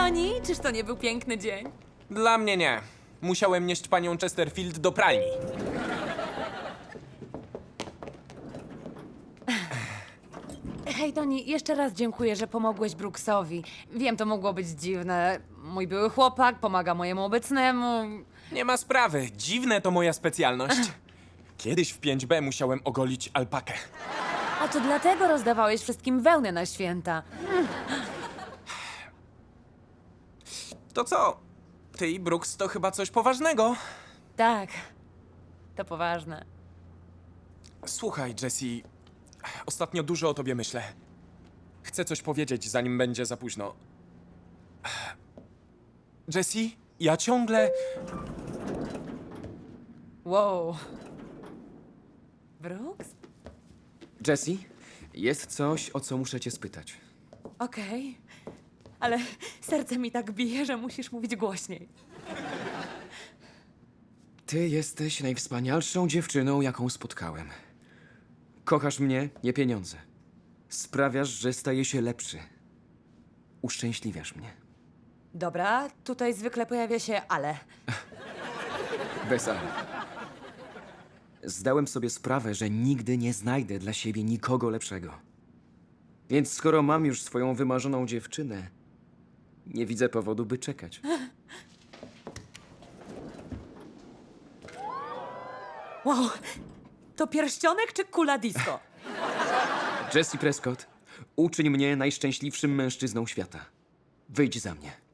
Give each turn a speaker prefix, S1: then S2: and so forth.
S1: Toni, czyż to nie był piękny dzień?
S2: Dla mnie nie. Musiałem nieść panią Chesterfield do pralni.
S1: Hej, Toni, jeszcze raz dziękuję, że pomogłeś Brooksowi. Wiem, to mogło być dziwne. Mój były chłopak pomaga mojemu obecnemu.
S2: Nie ma sprawy. Dziwne to moja specjalność. Kiedyś w 5B musiałem ogolić alpakę.
S1: A to dlatego rozdawałeś wszystkim wełnę na święta.
S2: To co? Ty i Brooks to chyba coś poważnego.
S1: Tak, to poważne.
S2: Słuchaj, Jessie, ostatnio dużo o tobie myślę. Chcę coś powiedzieć, zanim będzie za późno. Jessie, ja ciągle...
S1: Wow. Brooks?
S3: Jessie, jest coś, o co muszę cię spytać.
S1: Okej. Ale serce mi tak bije, że musisz mówić głośniej.
S3: Ty jesteś najwspanialszą dziewczyną, jaką spotkałem. Kochasz mnie, nie pieniądze. Sprawiasz, że staję się lepszy. Uszczęśliwiasz mnie.
S1: Dobra, tutaj zwykle pojawia się ale.
S3: Bez ale. Zdałem sobie sprawę, że nigdy nie znajdę dla siebie nikogo lepszego. Więc skoro mam już swoją wymarzoną dziewczynę, nie widzę powodu, by czekać.
S1: Wow, to pierścionek czy kula disco?
S3: Jessie Prescott, uczyń mnie najszczęśliwszym mężczyzną świata. Wyjdź za mnie.